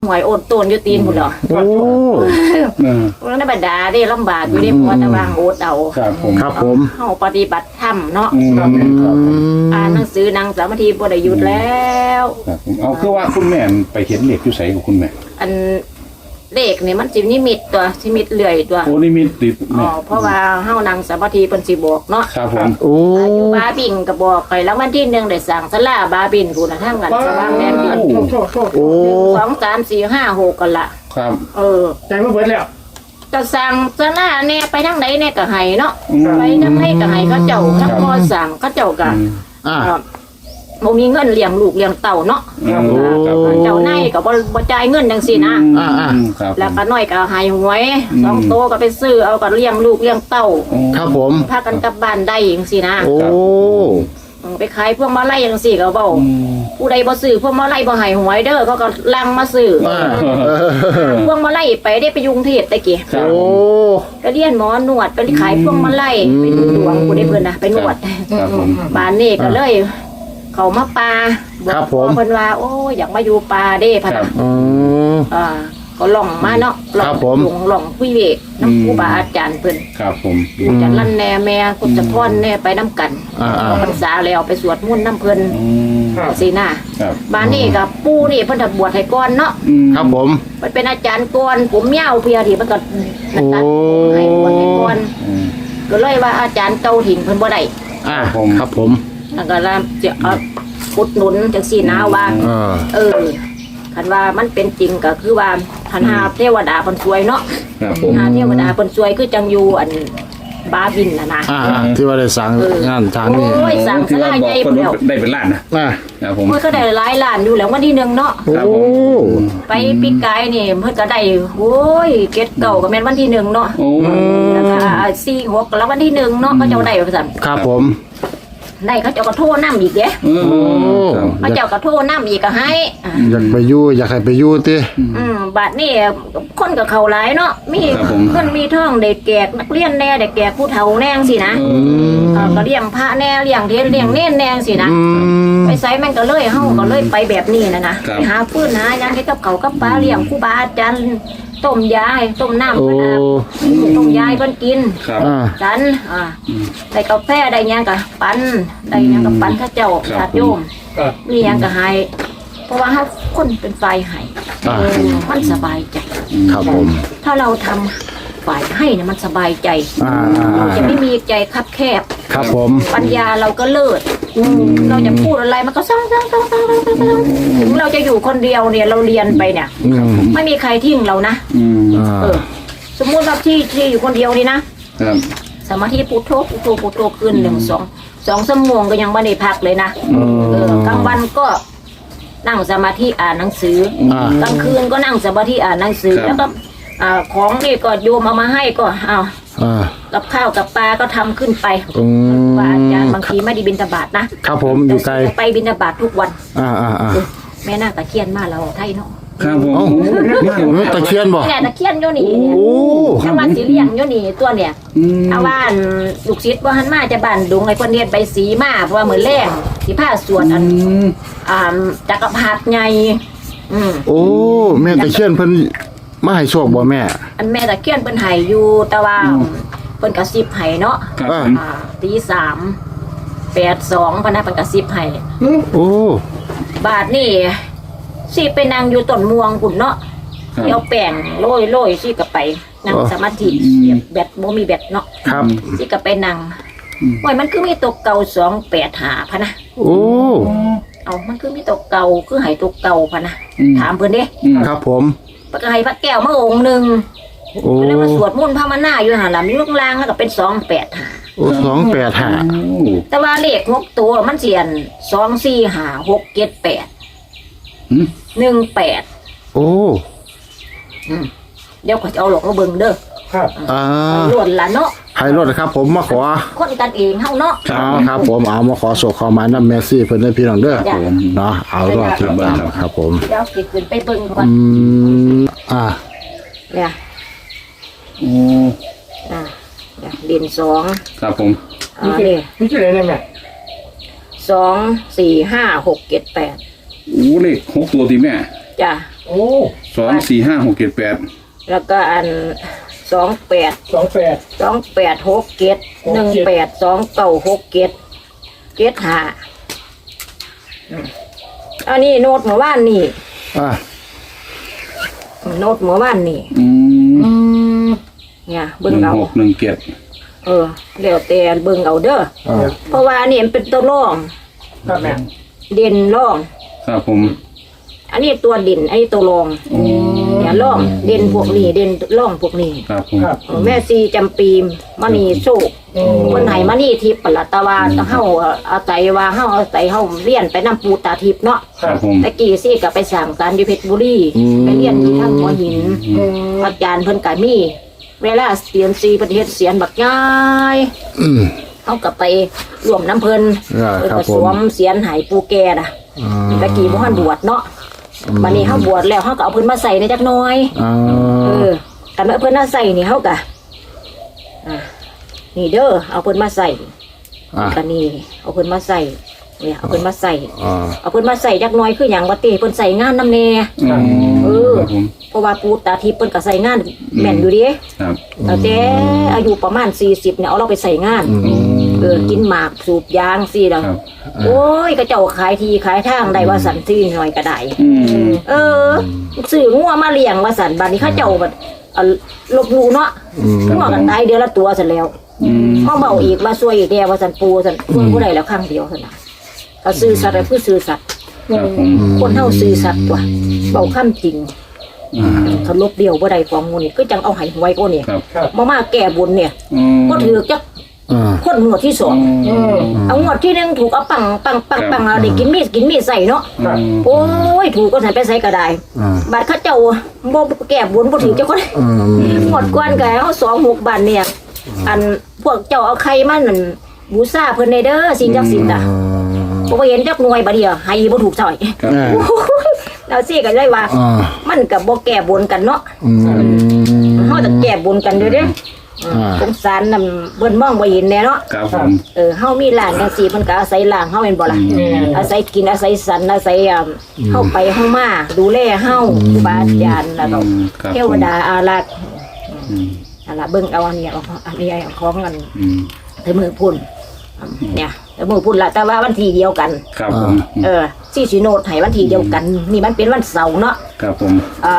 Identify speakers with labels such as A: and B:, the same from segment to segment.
A: หวยโอนโตนอยู่ตีนหมดเหรอ
B: โอ้
A: แล้วในบรรดาได้ลำบากอยู่ได้พอตะวางโอดเอา
B: ครับผม
A: เฮาปฏิบัติธรรมเนาะอ่านหนังสือนั่งสมาธิบ่ได้หยุดแล้ว
B: ครับผมเอาคือว่าคุณแม่ไปเห็นเหล็กอยู่ไสของคุณแม่
A: อันเลขนี่มันสินิมิตตัวนิมิตเลื่อยตัว
B: โอ้นิมิตติด
A: เพราะว่าเฮานั่งสมาธิเพิ่นสิบอกเนาะ
B: ครับผม
C: โอ้
A: อยู่บาบินก็บอกไปแล้ววันที่1ได้สร้างศาลาบาบินพูน่ะทางกันสว่างแดนดิน
C: โอ้
A: 1 2 3 4 5 6กันละ
B: ครับ
D: ใจมันเบิดแล้ว
A: ก็สั่งศาลาเนี่ยไปทางไหนเนี่ยก็ให้เนาะไปทางไหนก็ให้เขาเจ้าทั้งพ่อสั่งเขาเจ้าก็บ่มีเงินเลี้ยงลูกเลี้ยงเต่าเนาะเจ้านายก็บ่จ่ายเงินจังซี่นะแล้วก็น้อยก็ให้หวย2โตก็ไปซื้อเอาก็เลี้ยงลูกเลี้ยงเต่า
C: ครับผม
A: พากันกลับบ้านได้จังซี่นะ
C: โอ้
A: ไปขายพวกมาลัยจังซี่ก็เว้าผู้ใดบ่ซื้อพวกมาลัยบ่ให้หวยเด้อเขาก็ลังมาซื้อพวกมาลัยไปได้ไปยุงเทศตะกี้
C: โอ้
A: ก็เรียนหมอนวดไปขายพวกมาลัยไปดูดวงผู้ใดเพิ่นน่ะไปนวดบ้านนี้ก็เลยเขามาปลาบอกเพิ่นว่าโอ้อยากมาอยู่ปลาเด้พะนะก็ล่องมาเนาะล่องคุยเวกน้ำครูบาอาจารย์เพิ่น
B: ครับผม
A: อยู่จันลั่นแน่แม่กุศพรแน่ไปน้ำกันพรรษาแล้วไปสวดมนต์น้ำเพิ่นสินะบ้านนี้กับปู่นี่เพิ่นบวชให้ก่อนเนาะ
C: ครับผม
A: มันเป็นอาจารย์ก่อนผมยาวเพียที่มันก็ตัดให้บวชให้ก่อนก็เลยว่าอาจารย์เก่าถิ่นเพิ่นบ่ได้
C: ครับผม
A: แล้วก็จะอุดหนุนจังซี่นะว่าคันว่ามันเป็นจริงก็คือว่าคันหาเทวดาเพิ่นช่วยเนาะหาเทวดาเพิ่นช่วยคือจังอยู่อันบาบินน่ะ
C: ที่ว่าได้สั่งงานทางนี้
A: โอ้ยสั่งศาลาใหญ่พุ่นแล้ว
B: ได้เป็นล้านนะครับผม
A: มันก็ได้หลายล้านอยู่แล้ววันที่1เนาะ
C: โอ้
A: ไปปีกายนี่เพิ่นก็ได้โอ้ยเก็ดเก่าก็แม่นวันที่1เนาะแล้วก็4 6แล้ววันที่1เนาะก็เจ้าได้ว่าซั่น
C: ครับผม
A: ได้เขาเจ้าก็โทรนำอีกเด้เขาเจ้าก็โทรนำอีกก็ให้
C: อยากไปอยู่อยากให้ไปอยู่ติ
A: บัดนี้คนก็เข้าหลายเนาะมีคนมีท่องเด็กแก่นักเรียนแน่เด็กแก่ผู้เฒ่าแน่งสินะก็เลี้ยงพระแน่เลี้ยงเทศเลี้ยงเน้นแน่งสินะไปไสมันก็เลยเฮาก็เลยไปแบบนี้นะไปหาฟืนหาหยังเฮ็ดกับเขากับปลาเลี้ยงครูบาอาจารย์ต้มยาต้มน้ำเพิ่นต้มยาเพิ่นกินฉันได้กาแฟได้หยังก็ปั่นได้หยังก็ปั่นเขาเจ้าญาติโยมมีหยังก็ให้เพราะว่าเฮาคนเป็นฝ่ายให้มันสบายใจ
C: ครับผม
A: ถ้าเราทำฝ่ายให้เนี่ยมันสบายใจเราจะไม่มีใจคับแคบ
C: ครับผม
A: ปัญญาเราก็เลิศเราจะพูดอะไรมันก็ซ้ำถึงเราจะอยู่คนเดียวเนี่ยเราเรียนไปเนี่ยไม่มีใครทิ้งเรานะสมมุติว่าที่อยู่คนเดียวนี่นะสมาธิพุทโธพุทโธพุทโธคืน1-2 ชั่วโมงก็ยังไม่ได้พักเลยนะกลางวันก็นั่งสมาธิอ่านหนังสือกลางคืนก็นั่งสมาธิอ่านหนังสือแล้วก็ของนี่ก็โยมเอามาให้ก็เอากับข้าวกับปลาก็ทำขึ้นไปว่าอาจารย์บางทีไม่ได้บิณฑบาตนะครับ
C: ผมอยู่ไกล
A: ไปบิณฑบาตทุกวันแม่น่าตะเคียนมาเราไทยเนาะ
B: ครับผม
C: ตะเคียนบ่
A: เนี่ยตะเคียนอยู่นี่จังหวัดสีเลี้ยงอยู่นี่ตัวเนี่ยเอาว่าลูกศิษย์ว่าหันมาจะบ้านดุงไอ้คนเรียนไปสีมาเพราะว่าเหมือนแรงสีผ้าสวดจักรพรรดิไง
C: โอ้แม่ตะเคียนเพิ่นมาให้โชคบ่แม่
A: อันแม่ตะเคียนเพิ่นให้อยู่แต่ว่าเพิ่นกระซิบให้เนาะตี3:82พนักเพิ่นกระซิบให้
C: โอ้
A: บาทนี่สิไปนั่งอยู่ต้นม่วงพุ่นเนาะเอาแป้งโรยสิก็ไปนั่งสมาธิแบตบ่มีแบตเนาะ
C: ครับ
A: สิก็ไปนั่งโอ้ยมันคือมีตกเก่า285พะนะ
C: โอ้
A: เอามันคือมีตกเก่าคือให้ตกเก่าพะนะถามเพิ่นเด้
C: ครับผม
A: ก็ให้พระแก้วมาองค์นึงแล้วมาสวดมนต์ภาวนาอยู่หั่นล่ะมีลูกลางแล้วก็เป็น285
C: โอ้285
A: แต่ว่าเลข6ตัวมันเสียน2 4 5 6 7 8 18
C: โอ้
A: เดี๋ยวขอจะเอาหลอกมาเบิ่งเด้อ
D: ครับ
A: ล้วนละเนาะ
C: ให้รถครับผมมาขอ
A: คนกันเองเฮาเนาะ
C: ครับผมเอามาขอโศกขอหมายนำเมซี่เพิ่นได้พี่น้องเด้อเนาะเอารอดติดตามครับผม
A: เดี๋ยวสิขึ้นไปเบิ่งก่อนเนี่ยเด่น2
B: ครับผม
D: นี่ชื่ออะไรเนี่ย
A: 2 4 5 6 7 8
B: โอ้เลข6ตัวติแม่
A: จ้ะ
D: โอ้
B: 2 4 5 6 7 8
A: แล้วก็อัน28
D: 28
A: 28 6 7 18 29 6 7 75อันนี้โน้ตเมื่อวานนี่
C: อ่า
A: โน้ตเมื่อวานนี่ เนี่ยเบิ่งเอา
B: 16 17
A: แล้วแต่เบิ่งเอาเด้อ
C: อ่า
A: เพราะว่าอันนี้มันเป็นตัวร่อง
D: ครับแม่
A: เด่นร่อง
B: ครับผม
A: อันนี้ตัวเด่นอันนี้ตัวรองเนี่ยร่องเด่นพวกนี้เด่นร่องพวกนี้
B: ครับผม
D: ครับ
A: แม่ซีจำปีมณีโชคคนไหนมณีทิพย์ปะละตะวาเฮาเอาใจว่าเฮาเอาใจเฮาเรียนไปนำปูตาทิพย์เนาะ
B: ครับผม
A: ตะกี้ซี่ก็ไปสั่งสารอยู่เพชรบุรีไปเรียนอยู่ทางหัวหินอาจารย์เพิ่นก็มีเวลาเสียนซีประเทศเสียนบักย้าย
C: อืม
A: เฮาก็ไปร่วมน้ำเพิ่น
C: ครับ
A: เพิ่น
C: ครั
A: ก็
C: บผม
A: สวมเสียนหายปูแก่น่ะ
C: อ่า
A: ตะกี้บ่ทันบวชเนาะบัดนี้เฮาบวชแล้วเฮาก็เอาเพิ่นมาใส่ในจักหน่อย
C: อ่า
A: แต่เมื่อเพิ่นมาใส่นี่เฮาก็นี่เด้อเอาเพิ่นมาใส่
C: อ่า
A: ก็นี่เอาเพิ่นมาใส่เนี่ยเอาเพิ่นมาใส่
C: อ่า
A: เอาเพิ่นมาใส่จักหน่อยคือหยังว่าติเพิ่นใส่งานนำแน่
B: ครับผม
A: เพราะว่าปูตาทิพย์เพิ่นก็ใส่งานแม่นอยู่เดิ
B: ครับ
A: แต่อายุประมาณ40เนี่ยเอาเราไปใส่งานกินหมากสูบยางสิแล้ว
B: ครับ
A: โอ้ยก็เจ้าขายทีขายทางได้ว่าสันซี่หน่อยก็ได้ ซื้องัวมาเลี้ยงว่าสันบัดนี้เขาเจ้าบัดลบหลู่เนาะงัวกันตายเดือนละตัวเสร็จแล้วมาเบาอีกมาช่วยอีกแด่ว่าสันปูสันช่วยผู้ใดแล้วครั้งเดียวสันนะก็ซื้อสัตว์อะไรผู้ซื้อสัตว์
B: ครับผม
A: คนเท่าซื้อสัตว์ตัวเบาข้ามจริงเขาลบเดียวบ่ได้ของงูนี่ก็จังเอาใหายหวยก็เนี่ย
B: ครับ
A: มาแก่บุญเนี่ยก็ถือจัก
C: อ่า
A: คนงวดที่สองเอางวดที่หนึ่งถูกเอาปังเอาได้กินมีดใส่เนาะโอ้ยถูกก็ใส่ไปใส่ก็ได้
C: อ่า
A: บัดเขาเจ้าบ่แก่บุญบ่ถือเจ้าคน
C: อืม
A: หมดกวนก็เอา26 บาทเนี่ยอันพวกเจ้าเอาไข่มานั่นบูชาเพิ่นได้เด้อสิ่งศักดิ์สิทธิ์อ่ะบ่เห็นจักหน่วยบัดเดียวให้บ่ถูกซอย
B: ครับ
C: อ่า
A: แล้วสิก็เลยว่า
C: อ่า
A: มันก็บ่แก่บุญกันเนาะ
C: อืม
A: เฮาต้องแก่บุญกันเด้อเด้
C: อ่า
A: สงสารนำเบิ่นมองบ่เห็นแน่เนาะ
B: ครับผม
A: เฮามีหลานจังซี่เพิ่นก็อาศัยหลานเฮาแม่นบ่ล่ะอาศัยกินอาศัยสันอาศัยเฮาไปเฮามาดูแลเฮาครูบาอาจารย์แล้วก็
B: ครับ
A: เทวดาอารักษ์นั่นล่ะเบิ่งเอาอันนี้เอาอันนี้เอาของกันแต่มือพุ่นเนี่ยแต่มือพุ่นล่ะแต่ว่าวันที่เดียวกัน
B: ครับผม
A: ซี่สิโนดให้วันที่เดียวกัน นี่มันเป็นวันเสาร์เนาะ
B: ครับผม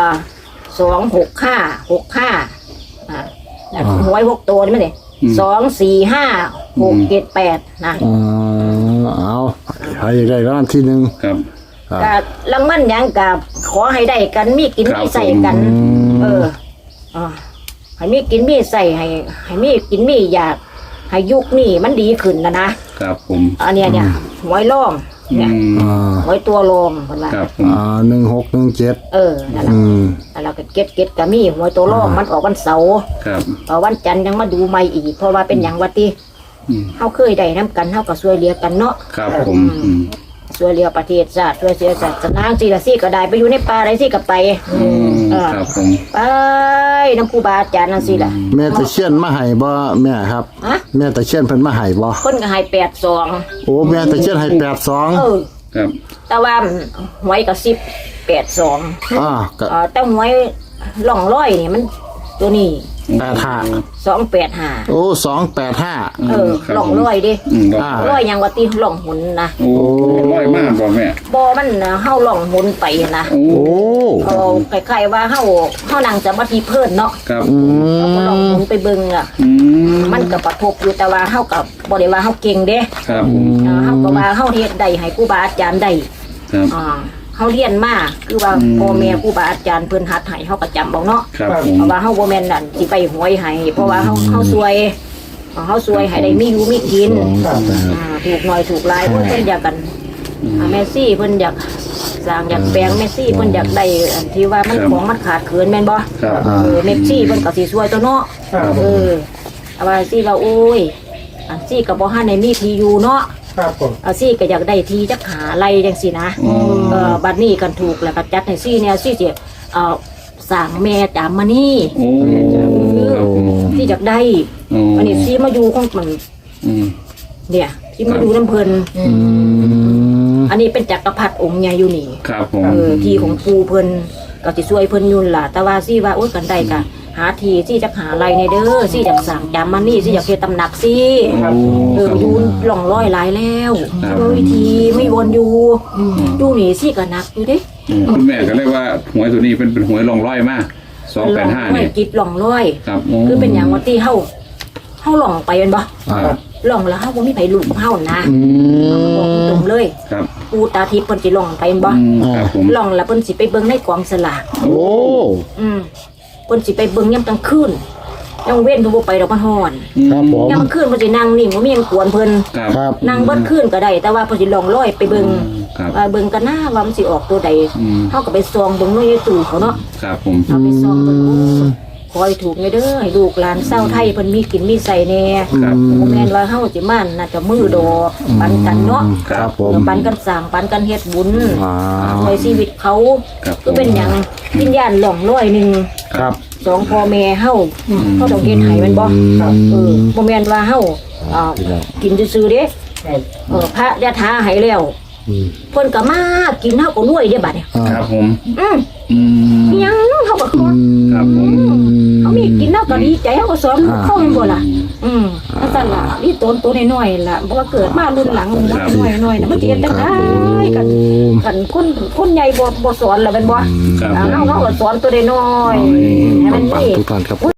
A: 265หวย6ตัวนี่มั้ยนี่245 678นะ
C: อ่าเอาใครอยากได้รางวัลที่หนึ่ง
B: ครับ
A: ก็รางวัลหยังก็ขอให้ได้กันมีกินมีใส่กัน ให้มีกินมีใส่ให้มีกินมีอยากให้ยุคนี้มันดีขึ้นนะครับ
B: ผม
A: อันเนี้ยหวยร่องเนี่ย
C: อ่า
A: หวยตัวรองเพิ่นว่า
B: ครับผม
C: 1617
A: นั่นล่ะ
C: อืม
A: แล้วก็เก็ตก็มีหวยตัวรองมันออกวันเสาร์
B: ครับ
A: วันจันทร์ยังมาดูใหม่อีกเพราะว่าเป็นหยังว่าติเฮาเคยได้นํกันเฮาก็ช่วยเหลือกันเนาะ
B: ครับผมอืม
A: ช่วยเหลือประเทศชาติช่วยเสียศาสนาสิละสิก็ได้ไปอยู่ในป่าได้สิก็ไป
B: ครับผม
A: ไปนำครูบาอาจารย์นั่นสิล่ะ
C: แม่ตะเคียนมาให้บ่แม่ครับ
A: ฮะ
C: แม่ตะเคียนเพิ่นมาให้บ่
A: คนก็ให้82
C: โอ้แม่ตะเคียนให้82
B: ครับ
A: แต่ว่าหวยก็1082
C: อ่าก็
A: แต่หวยล่องร้อยนี่มันตัวนี้
C: 85
A: 285
C: โอ้285
A: ล่องร้อยดิ
C: อ่า
A: ร้อยยังว่าติล่องหุนนะ
B: โอ้ร้อยมากบ่แม่
A: บ่มันเฮาล่องหุนไปนะ
B: โอ้
C: โอ้
A: เอาคล้ายๆว่าเฮานั่งสมาธิเพิ่นเนาะ
B: ครับ
A: เอาล่องหุนไปเบิ่งอ่ะมันก็ประทบอยู่แต่ว่าเฮาก็บ่ได้ว่าเฮาเก่งเด้
B: ครับผม
A: เฮาก็ว่าเฮาเฮ็ดได้ให้ครูบาอาจารย์ได้
B: ครับ
A: เฮาเรียนมาคือว่าพ่อแม่ครูบาอาจารย์เพิ่นหัดให้เฮาก็จำบ่เนาะ
B: ครับผม
A: เพราะว่าเฮาบ่แม่นนั่นสิไปหวยให้เพราะว่าเฮาซวยให้ได้มีอยู่มีกินถูกหน่อยถูกหลายเพิ่นอยากกันแม่ซี่เพิ่นอยากสร้างอยากแปลงแม่ซี่เพิ่นอยากได้อันที่ว่ามันของมันขาดเขินแม่นบ่
B: ครับ
A: แม่ซี่เพิ่นก็สิซวยตัวเนาะเอาว่าซี่ว่าโอ้ยอันซี่ก็บ่ทันได้มีที่อยู่เนาะ
D: ครับผม
A: เอาซี่ก็อยากได้ที่จักหาไรจังซี่นะบัดนี้กันถูกแล้วก็จัดให้ซี่เนี่ยซี่สิสร้างแม่จามมานี่
B: โอ้ครับผม
A: ที่อยากได้
B: โอ้
A: อันนี้ซี่มาอยู่ของมัน
B: อืม
A: เนี่ยที่มาอยู่น้ำเพลินอันนี้เป็นจักรพรรดิองค์ใหญ่อยู่นี่
B: ครับผม
A: ที่ของปูเพลินก็สิช่วยเพิ่นอยู่ล่ะแต่ว่าสิว่าโอ๊ยกันได้ก็หาทีสิจักหาอะไรในเด้อสิจักสั่งจำมันนี่สิอยากเฮ็ดตำหนักสิ
B: ครับ
A: อยู่หล่องร้อยหลายแล้ว
B: ครับ
A: วิธีไม่วนอยู่อยู่นี่สิก็หนักอยู่เด้
B: คุณแม่ก็เรียกว่าหวยตัวนี้เป็นหวยรองร้อยมาก285เนี่ย
A: กิดหล่องร้อย
B: ครับ
A: คือเป็นอย่างว่าที่เฮาหล่องไปเป็นบ่
B: ครับ
A: หล่องแล้วเฮาบ่มีไผรู้กับเฮานะบอกตรงๆเลย
B: ครับ
A: ปูตาทิพย์เพิ่นสิหล่องไปเป็นบ่
B: ครับผม
A: หล่องแล้วเพิ่นสิไปเบิ่งในกองสลาก
C: โอ้
A: เพิ่นสิไปเบิ่งยามกลางคืนยังเว้นเพิ่นบ่ไปดอกมันฮ้อน
C: ครับผม
A: ยามกลางคืนเพิ่นสินั่งนิ่งบ่มีหยังกวนเพิ่น
B: ครับ
C: ครับ
A: นั่งเบิดคืนก็ได้แต่ว่าเพิ่นสิล่องลอยไปเบิ่ง
B: ครับ
A: ว่าเบิ่งกันหน้าว่ามันสิออกตัวใด
B: อืม
A: เฮาก็ไปซองเบิ่งในตู้เขาเนาะ
B: ครับผม
A: เอาไปซองเบิ่งคอยถูกไงเด้อให้ลูกหลานเศร้าไทยเพิ่นมีกินมีใส่แน่
B: ครับ
A: บ่แม่นว่าเฮาสิมาน่าจะมือดอกปันกันเนาะ
C: ครับผม
A: ปันกันสร้างปันกันเฮ็ดบุญ
C: อ่า
A: ในชีวิตเขา
B: ครับ
A: ก็เป็นหยังวิญญาณหล่องลอยหนึง
C: ครับ
A: สองพ่อแม่เฮาเขาต้องเฮ็ดให้มันบ่บ่แม่นว่าเฮากินซื่อๆเด้พระยะถาให้แล้วเพิ่นก็มากินเฮาก็รวยเด้บัดเนี่ย
B: ครับผม
A: อืม
B: อืม
A: ยังเฮาก็ขอ
B: ครับผม
A: เขามีกินเฮาก็ดีใจเฮาก็สอนเข้าแม่นบ่ล่ะนั่นซั่นล่ะนี่ตัวน้อยๆล่ะบ่ว่าเกิดมารุ่นหลังน้อยๆน่ะมันสิเฮ็ดจังได๋กันคนใหญ่บ่สอนแล้วแม่นบ่
B: ครับผม
A: เฮาก็สอนตัวน้อยๆให้มัน
C: ปัง
A: นี่
C: ทุกท่านครับ